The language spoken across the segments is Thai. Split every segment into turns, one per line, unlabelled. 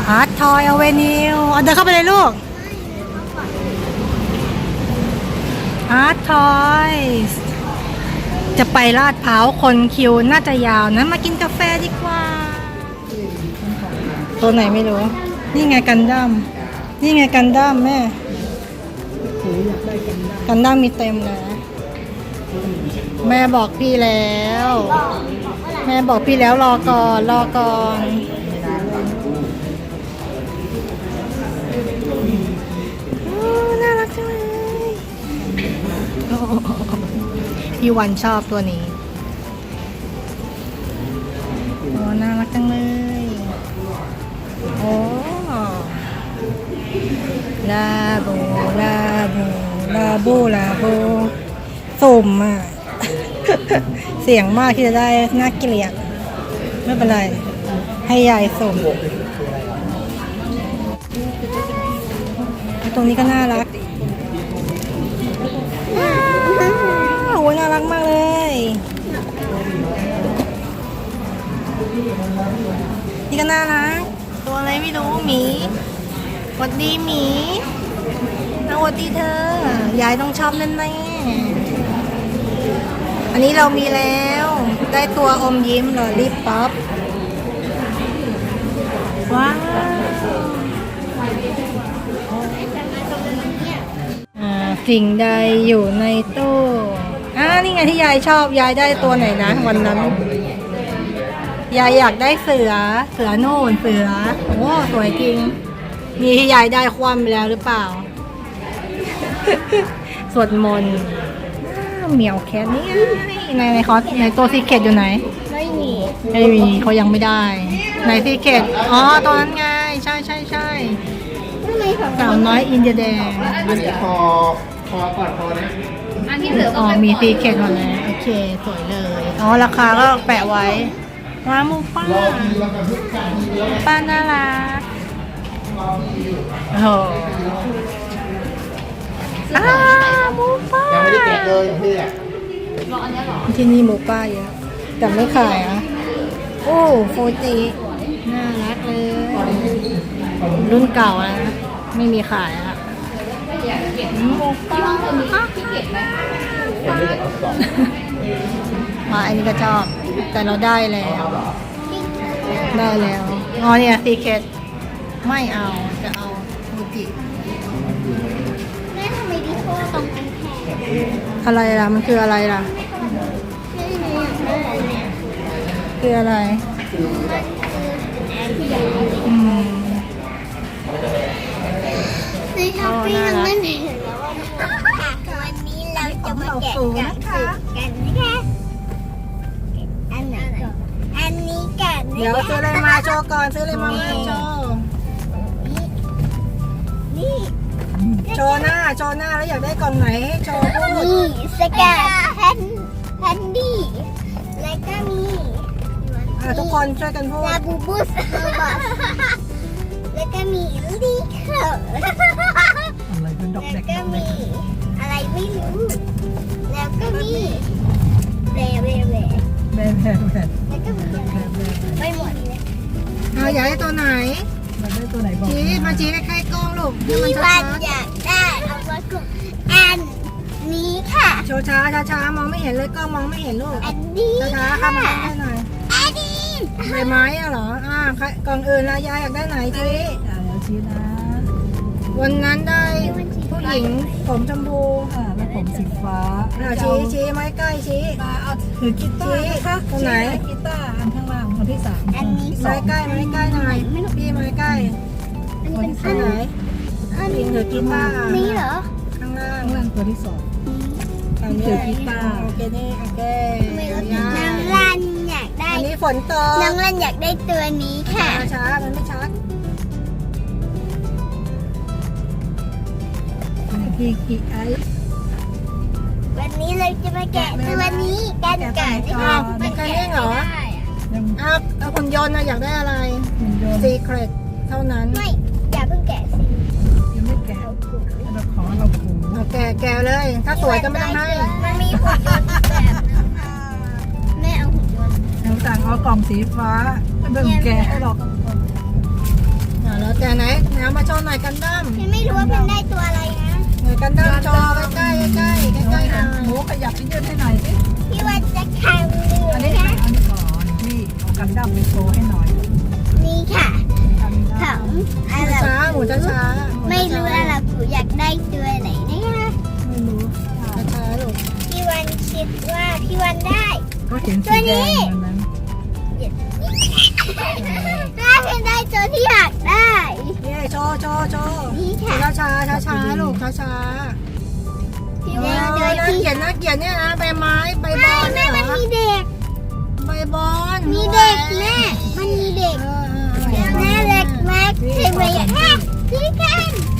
อาร์ตทอยอเวนิวเดินเข้าไปเลยลูกอาร์ตทอยจะไปลาดพร้าวคนคิวน่าจะยาวนะมากินกาแฟดีกว่าตัวไหนไม่รู้นี่ไงกันดั้มนี่ไงกันดั้มแม่กันดั้มมีเต็มเลยแม่บอกพี่แล้วแม่บอกพี่แล้วรอก่อนน่ารักจังเลยพี่วันชอบตัวนี้โอ้น่ารักจังเลยโอ้ลาโบสุ่มอ่ะ เสียงมากที่จะได้น่าเกลียดไม่เป็นไรให้ยายสุ่มตรงนี้ก็น่ารักโอ้ยน่ารักมากเลยนี่ก็น่ารักตัวอะไรไม่รู้หมีสวัสดีหมีสวัสดีเธอยายต้องชอบแน่ๆอันนี้เรามีแล้วได้ตัวอมยิ้มลอลิปป๊อปว้าวสิ่งใดอยู่ในตู้นี่ไงที่ยายชอบยายได้ตัวไหนนะวันนั้นยายอยากได้เสือโน่นเสือโอ้สวยจริงมีที่ยายได้คว่ำไปแล้วหรือเปล่า สวดมนต์เหมียวแคทนี่ในคอสในตัวซีเคทอยู่ไหนไม่มีเขายังไม่ได้ในซีเคทตอนนั้นไงใช่สาวน้อยอินเดียแดง
คอก่อนคอนะ
อันที่เหลือมีซีเคทหมดเลยโอเคสวยเลยราคาก็แปะไว้ว้ามูป้าน่ารักโอ้หมูป้า
ยังไม่ได้แกะเลยพี่อ่ะ
ที่นี่หมูป้าเยอะแต่ไม่ขายโอ้โฟจิน่ารักเลยรุ่นเก่านะไม่มีขายหมูป้าอันนี้ก็ชอบแต่เราได้แล้วเนี่ยซีเคทไม่เอาจะเอาฟูจิ
แม่ทำไมดิโก้ตรงกันแขน
อะไรล่ะมันคืออะไรล่ะคืออะไร
ในช้อปปี้เราไม่เห็นแล้วว่าวันนี้เราจะมาแกะกันนะคะอันไหนก่อนอันนี้กัน
เดี๋ยวซื้ออะไรมาโชว์ก่อนซื้ออะไรมาโชว์
นี่
โชว์หน้าแล้วอยากได้กล่องไหนให้โชว์พูด
นี่สแกนแพนดี้แล้วก็มี
ทุกคนช่วยกันพูด
ลาบูบูสแล้วก็มีลีเคอร์
อะไรเป็นดอกเด็ก
แล้วก็มีอะไรไม่รู้แล้วก็มีแบแล้วก็มีไม่หมดเลย
อยากได้ตัวไหนบอกชี้ใกล้ๆกล้องลูก
พี่วันอยากได้เอาไว้กลุ่มอันนี้ค่ะ
โชว์ช้ามองไม่เห็นเลยกล้องมองไม่เห็นลูก
อันนี้
ช้าค่ะมาให้หน่อย
อันนี้
ใบไม้เหรอกล่องอื่นละยายอยากได้ไหนชี้นะวันนั้นได้ผู้หญิงผมชมพู
และผมสีฟ้า
ชี้ไม้ใกล้ชี้
ถือกีตาร์นะคะ
ตรงไหน
กีตาร์อันข้างล่างคนที่3
อันนี้
ไม้ใกล้หน่อยพี่ไม้ใกล้
อันนี้เป็น
อันไหน
อันนี้
ถือกีตาร์
นี่เหรอ
ข้างล่าง
ตัวที่2
ถือกีตาร์โอเค
น้องรันอยากได้
อันนี้ฝนตก
น้องรันอยากได้ตัวนี้ค่ะ
ช้ามันไม่ชัด
พี่ไอ
วันนี้เราจะมาแกะตัวนี้กันก่อนนะคะ
มันแค่นี้เหรอเอาหุ่นยนต์อยากได้อะไรซีเครตเท่านั้น
ไม่อย่าเพิ่งแกะสิ
ยังไม่แกะเราขอเราผู
แกะเลยถ้าสวยก็ไม่ต้องให้
มันมีหุ่นยนต์แบบแม่เอาหุ่นยนต์
เราสั่งเอากล่องสีฟ้าไม่ต้องแกะให้หรอก
แล้วแต่ไหนเอามาโชว์หน่อยกันดั้ม
ฉันไม่รู้ว่ามันได้ตัวอะไรนะ
หน่อยกันดั้มโชว์ใกล้ๆใกล้ๆใกล้ๆหน่อย
หมูขยับไปยืดให้หน่อยสิ
พี่วันจะแข่งเรือ
อันนี้
นะ
อันนี้ก่อนพี่เอากันดั้มไปโชว์ให้หน่อย
นี่ค่ะ
กัน
ข
ดั้
อ
ม
งอะไร
ช้าหมูช้า
ไม่รู้อะไรกูอยากได้ตัวไหนนะคะ
ไม่รู้
ช้าลูก
พี่วันคิดว่าพี่วันได้
ก็เห็นสีแดงวันนั้น
ถ้าเป็นได้ตัวที่อยากได้
นี่โชว์โชว์โชว์
นี่ค่ะ
ช้าลูกช้า
พี่
ๆ
วันโดย
น่า
ที่
เกลียดน่าเกลียดเนี่ยนะใบไม้ใบบอล
แม่มันมีเด็ก
ใบบอล
มีเด็กแม่มันมีเด็กแม่เล็กมากใช่ไหมอยากได้พี่กัน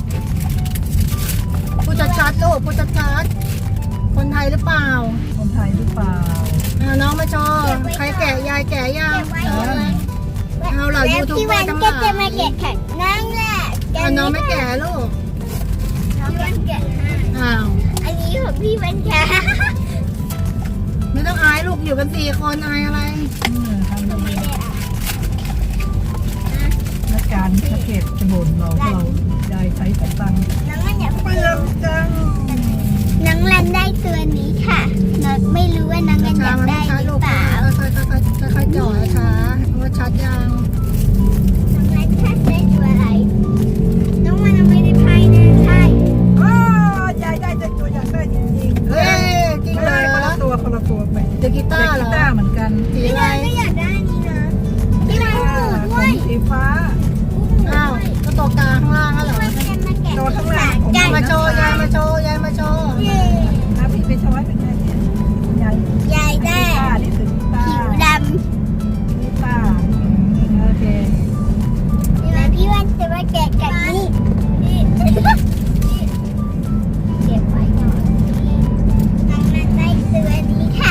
พูดชัดๆลูกพูดชัดๆคนไทยหรือเปล่า
คนไทยหรือเปล่า
น้องมาโชว์ใครแกะยายแกะยัง
เก็บไว้เก็บไว้
เอาเหล่า
แล้ว
ยูทูบ
พี่
เบอ
วัน
ร์ทั้งห
ก็
ลาย
จะมาแกะแข่งนั่งแหละ
น้องไม่แกะลูก
พี่วันแกะให้
อ้าว
อันนี้ของพี่วันแกะ
ไม่ต้องอายลูกอยู่กัน4 คนอายอะไร
ทำ
ไม่
ดี
ได้อ่ะ
และการสะเก็ดจะบ่นเรายายใช้สตังค์
น้องมันอยาก
เปลืองจัง
น้องรันได้ตัวนี้ค่ะน้องไม่รู้ว่าน้องรันอยากได้หรือเปล่า
ค่อยๆจ่อช้าว่าชัดยัง
น้องรันชัดได้ตัวอะไร น้องมันยังไม่ได้พายนะใช่
อ้ายายได้ตัวอยากได้จริงๆ
เฮ้ยจริง
ไม่
เหร
ได้
อ
คนละตัวไป
เด็กกีตาร์เหร
กี
อ
ตาร์เหมือนกัน
สี
พี่
อะไร
วันก็อยากได้นี่นะพี่วันหูด้วย
สีฟ้า
อ้าวก็ตกตาข้างล่างแล้วเหรอ
พี่วันจะมาแกะ
ตัวข้างล่าง
กัน
มาโชว์ยายมาโชว์ยายมาโชว์
เย้
นะพี่ไปช้อยเป็นไงเนี่ยยาย
ยายได้
กีตาร์นี่คือกีตา
ผิว
ร์
ด
กีตาร์โอเค
ำแล้วพี่วันจะมาแกะกันนี่เก็บไว้ก่อนน้องรันได้ตัวนี้ค่ะ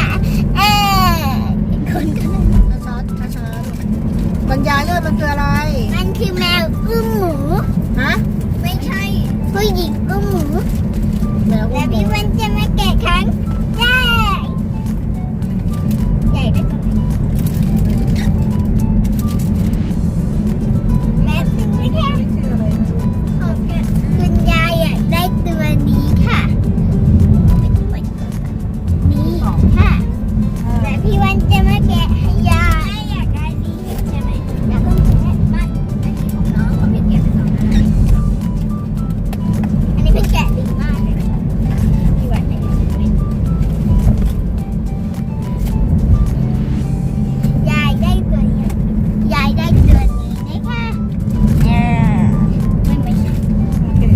คนก็
ช้าๆบรรยายเลยมันคืออะไร
มันคือแมวอุ้มหมู
ฮะ
ไม่ใช่ผู้หญิงอุ้มหมู
แมว
และพี่วันจะมาแกะครั้งแรกใหญ่ได้ตัวไหนแม่ถึงไม่แค่
ชื่ออะไรนะ
ของแกคุณยายอยากได้ตัวนี้ค่ะนี่ค่ะและพี่วันจะมาแกะให้ยายอยากได้นี่ใช่ไหมอยากต้องแกะบ้านอันนี้ของน้องเขาเป็นแกะไปสองอันอันนี้เป็นแกะดีมากเลยพี่วันเนี่ยยายได้ตัวนี้ยายได้ตัวนี้นะคะไม่ใช่
โอเค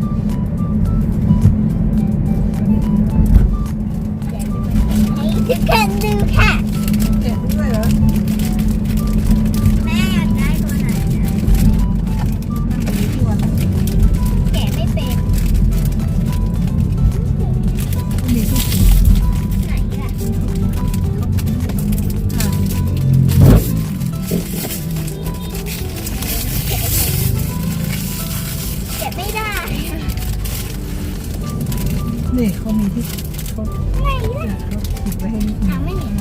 ให้ทุกคนดูค่ะ
เจ็บด้วยเหรอ
แม่อยากได้ตัวไหนนะ
ที่วัน
แกะไม่เป็น
มีที่สี
ไหนล่ะแกะไม่ได้
นี่เขามีที่เขา
ไหนล่ะ
เขาติดไว้ให้นิดนึง
ไม่เห็น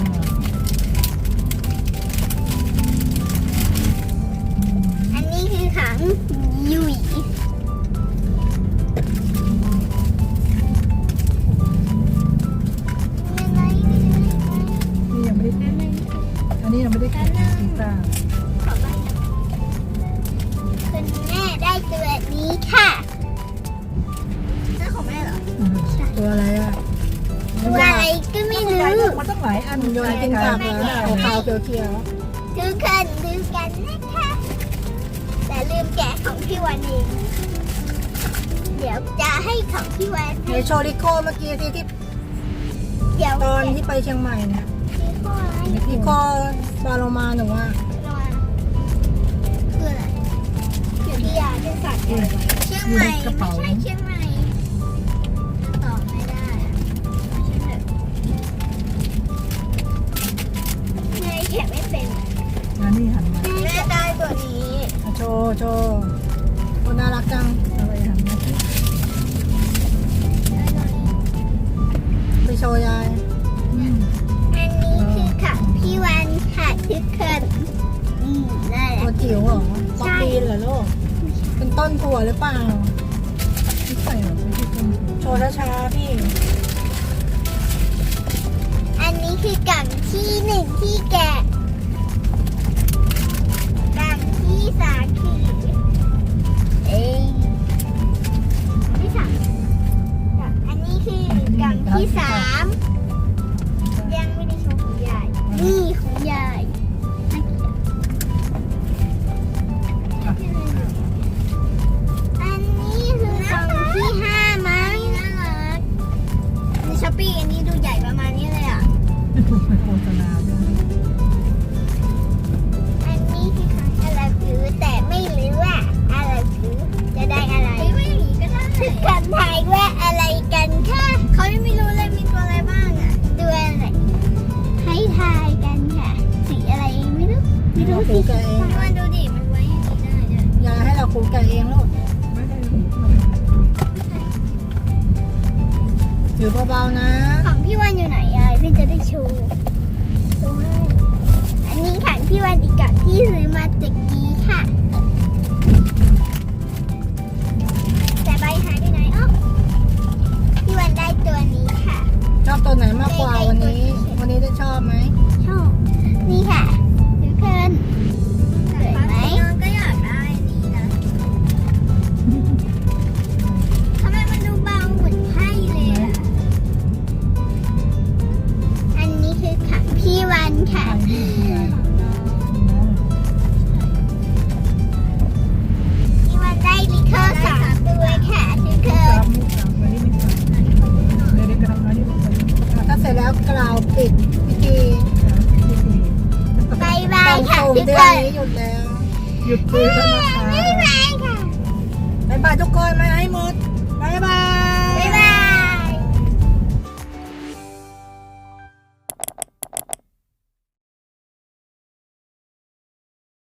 อันนี้คือขังยุยอะไร
นี่ยังไม่ได้อันนี้ยังไม่ได้แกะกีตาร์
ขอใบคุณแม่ได้ตัวนี้ค่ะนั่นของแม่เหรอ
ตัวอะไรอ่ะ
ตัวอะไรก็ไม่รู้
มันต้องหลายอัน
โยนกินกลับแล้วขาวๆเขียว
ทุกคนดูกันนะคะแต่ลืมแกะของพี่วันเองเดี๋ยวจะให้ของพี่วัน
ๆในโชว์ริโคเมื่อกี้ที่
เดี๋ยว
ตอนที่ไปเชียงใหม่เนี่ย
พี่ข้ออะไร
ริโคปลาโลมาหนูว่า
คืออะไรเดี๋ยวพี่ยาจะสั่งเชียงใหม่ไม่ใช่เชียงใหม่ตอบไม่ได้อะไม่ใช่เถอะแม่แกะไม่เป็น
อันนี้หันมา
แม่ได้ตัวนี้
โชว์โชว์คนน่ารักจัง
อะไรหันมาที่
ได้ตัวนี้
ไปโชว์ยาย
อันนี้คือของพี่วันค่ะทุกคนนั่นแห
ตัว
ละ
จิ๋วเหรอป๊อปปี้เหรอลูก
ใ
ต้นถั่วหรือเปล่า
ไม่ใช่หรอกไม่ใช่ต้น
โชว์ช้าๆพี่
อันนี้คือกล่องที่หนึ่งที่แกะกล่องที่สามคือที่สามอันนี้คือกล่องที่สามยังไม่ได้โชว์ของยายนี่ของยายน่าเกลียดอันนี้คือกล่องที่ห้ามั้งน่ารักในช้อปปี้อันนี้ดูใหญ่ประมาณนี้เลยอ่ะ
ถูกไปโฆษณาด้วย
อันนี้คือของอะไรคือแต่ไม่รู้ว่าอะไรคือจะได้อะไรไม่รู้ก็ได้คือกันทายว่าอะไรกันค่ะเขายังไม่รู้เลยมีตัวอะไรบ้างอ่ะตัวอะไรให้ทายกันค่ะสีอะไรไม่รู้ไม่รู้สิมันดูดิมันไว้อย่างนี้ได้ด้วย
ยายให้เราครูแกะเองลูก
ไม่ได้
ถือเบาๆนะ
ของพี่วันอยู่ไหนยายพี่จะได้โชว์ดูให้อันนี้ของพี่วันอีกกับที่ซื้อมาจากกีค่ะแต่ใบหายไปไหนอ๋อพี่วันได้ตัวนี้ค่ะ
ชอบตัวไหนมากกว่าวันนี้ วันนี้ได้ชอบไหม
ชอบนี่ค่ะทุกคนสวยไหมน้องก็อยากได้นี้นะทำไมมันดูเบาเหมือนไพ่เลยอะอันนี้คือของพี่วันค่ะ พี่วันได้ลิเกอร์3ตัวค่ะทุกคน
วันนี้ไม่ได้กำลังมาที่ผม
ถ้าเสร็จแล้วกล่าวปิดพิธี
บายบาย
ต้อง
ค่ะ
ส่ง
ทุก
เดื
ค
อน
น
นี้หยุดแล้ว
หยุดซื้อแล้วนะคะ
บ๊ายบายค่ะ
บ๊ายบายทุกคนมาให้หมดบ๊ายบาย